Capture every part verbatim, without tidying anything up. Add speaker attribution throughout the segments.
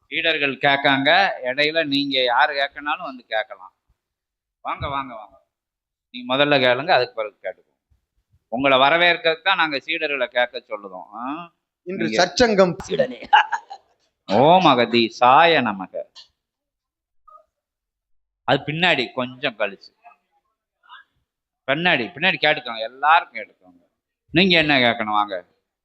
Speaker 1: சீடர்கள் கேட்காங்க, இடையில நீங்க யாரு கேட்கனாலும் வந்து கேட்கலாம். வாங்க வாங்க வாங்க, நீங்க முதல்ல கேளுங்க, அதுக்கு பிறகு கேட்டுக்கோங்க. உங்களை வரவேற்கிறதுக்கு தான் நாங்க சீடர்களை கேட்க சொல்லுதோம்.
Speaker 2: இன்று சற்சங்கம்
Speaker 1: சீடனே. ஓம் அகதி சாய நமக. அது பின்னாடி கொஞ்சம் கழிச்சு பின்னாடி பின்னாடி கேட்டுக்கோங்க, எல்லாரும் கேட்டுக்கோங்க. நீங்க என்ன கேட்கணும் வாங்க.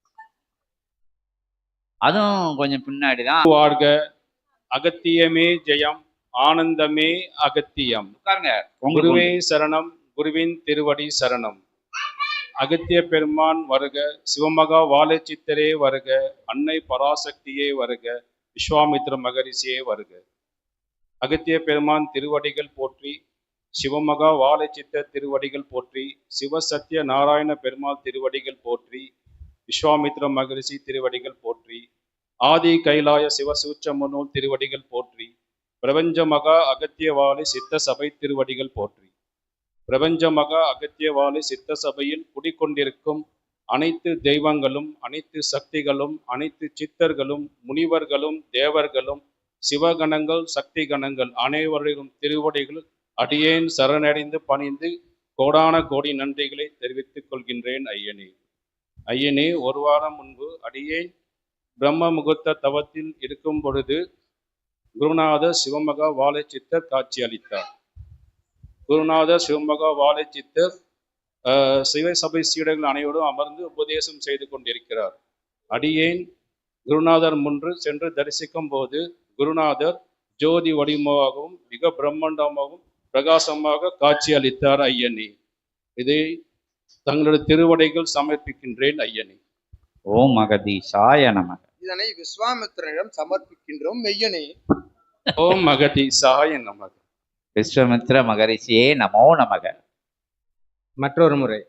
Speaker 1: அதுவும் கொஞ்சம் பின்னாடிதான்.
Speaker 3: வாழ்க, அகத்தியமே ஜெயம், ஆனந்தமே அகத்தியம்.
Speaker 1: உட்காருங்க.
Speaker 3: குருவே சரணம், குருவின் திருவடி சரணம். அகத்திய பெருமான் வருக, சிவமகா வாழைச்சித்தரே வருக, அன்னை பராசக்தியே வருக, விஸ்வாமித்ர மகரிஷியே வருக. அகத்திய பெருமான் திருவடிகள் போற்றி, சிவமகா வாழைச்சித்த திருவடிகள் போற்றி, சிவசத்திய நாராயண பெருமாள் திருவடிகள் போற்றி, விஸ்வாமித்ர மகரிஷி திருவடிகள் போற்றி, ஆதி கைலாய சிவசூச்சமனூல் திருவடிகள் போற்றி, பிரபஞ்ச மகா அகத்தியவாளி சித்த சபை திருவடிகள் போற்றி. பிரபஞ்ச மகா அகத்தியவாளி சித்த சபையில் குடிக்கொண்டிருக்கும் அனைத்து தெய்வங்களும், அனைத்து சக்திகளும், அனைத்து சித்தர்களும், முனிவர்களும், தேவர்களும், சிவகணங்கள், சக்தி கணங்கள் அனைவரின் திருவடிகள் அடியேன் சரணடைந்து பணிந்து கோடான கோடி நன்றிகளை தெரிவித்துக் கொள்கின்றேன் ஐயனே. ஐயனே, ஒரு வாரம் முன்பு அடியேன் பிரம்ம முகூர்த்த தவத்தில் இருக்கும் பொழுது குருநாத சிவமகா வாழைச்சித்தர் காட்சி அளித்தார். குருநாத சிவமகா வாழைச்சித்தர் சிவசபை சீடர்கள் அனைவரும் அமர்ந்து உபதேசம் செய்து கொண்டிருக்கிறார். அடியேன் குருநாதர் முன்று சென்று தரிசிக்கும் போது குருநாதர் ஜோதி வடிவமாகவும் மிக பிரம்மாண்டமாகவும் பிரகாசமாக காட்சி அளித்தார் ஐயனே. இதை தங்களுடைய திருவடைகள் சமர்ப்பிக்கின்றேன் ஐயனே.
Speaker 1: ஓம் அகதி சாய நமக.
Speaker 2: இதனை விஸ்வாமித்திரனிடம் சமர்ப்பிக்கின்றோம் மெய்யனே.
Speaker 3: ஓம் அகதி சாய நமக.
Speaker 1: விஸ்வாமித்ர மகரிஷியே நமோ நமக.
Speaker 2: மற்றொரு முறை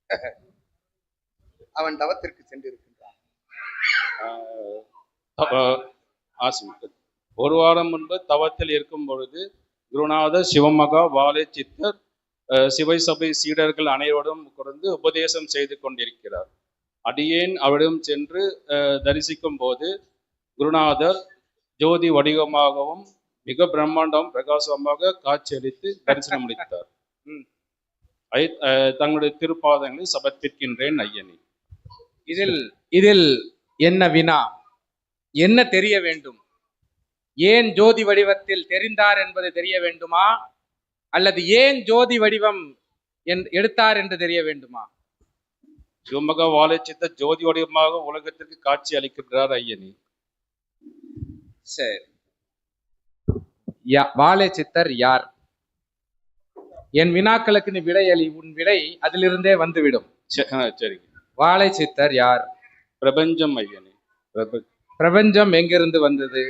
Speaker 2: அவன் தவத்திற்கு சென்றிருக்கின்றான்.
Speaker 3: ஒரு வாரம் முன்பு தவத்தில் இருக்கும் பொழுது குருநாத சிவமகா வாழைச்சித்தர் சிவசபை சீடர்கள் அனைவரும் குறைந்து உபதேசம் செய்து கொண்டிருக்கிறார். அடியேன் அவரிடம் சென்று தரிசிக்கும் போது குருநாதர் ஜோதி வடிவமாகவும் மிக பிரம்மாண்டம் பிரகாசமாக காட்சியளித்து தரிசனம் அளித்தார். தங்களுடைய திருப்பாதங்களை சமர்ப்பிக்கின்றேன் ஐயனே.
Speaker 4: இதில் இதில் என்ன வினா, என்ன தெரிய வேண்டும்? ஏன் ஜோதி வடிவத்தில் தெரிந்தார் என்பது தெரிய வேண்டுமா, அல்லது ஏன் ஜோதி வடிவம் எடுத்தார் என்று தெரிய வேண்டுமா?
Speaker 3: சிவமகா வாழைச்சித்த ஜோதி வடிவமாக உலகத்திற்கு காட்சி அளிக்கின்றார் ஐயனே.
Speaker 4: சரி, வாழைச்சித்தர் யார்? என் வினாக்களுக்கு நீ விடை அளி, உன் விடை அதிலிருந்தே வந்துவிடும்.
Speaker 3: சரி,
Speaker 4: வாழைச்சித்தர் யார்?
Speaker 3: பிரபஞ்சம் ஐயனே.
Speaker 4: பிரபஞ்சம் எங்கிருந்து வந்தது?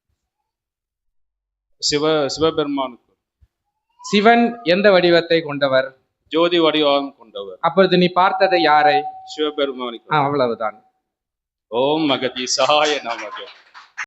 Speaker 3: சிவ சிவபெருமானுக்கு.
Speaker 4: சிவன் எந்த வடிவத்தை கொண்டவர்?
Speaker 3: ஜோதி வடிவம் கொண்டவர்.
Speaker 4: அப்பொழுது நீ பார்த்ததை யாரை?
Speaker 3: சிவபெருமானுக்கு.
Speaker 4: அவ்வளவுதான்.
Speaker 3: ஓம் மகதி சகாய நமக.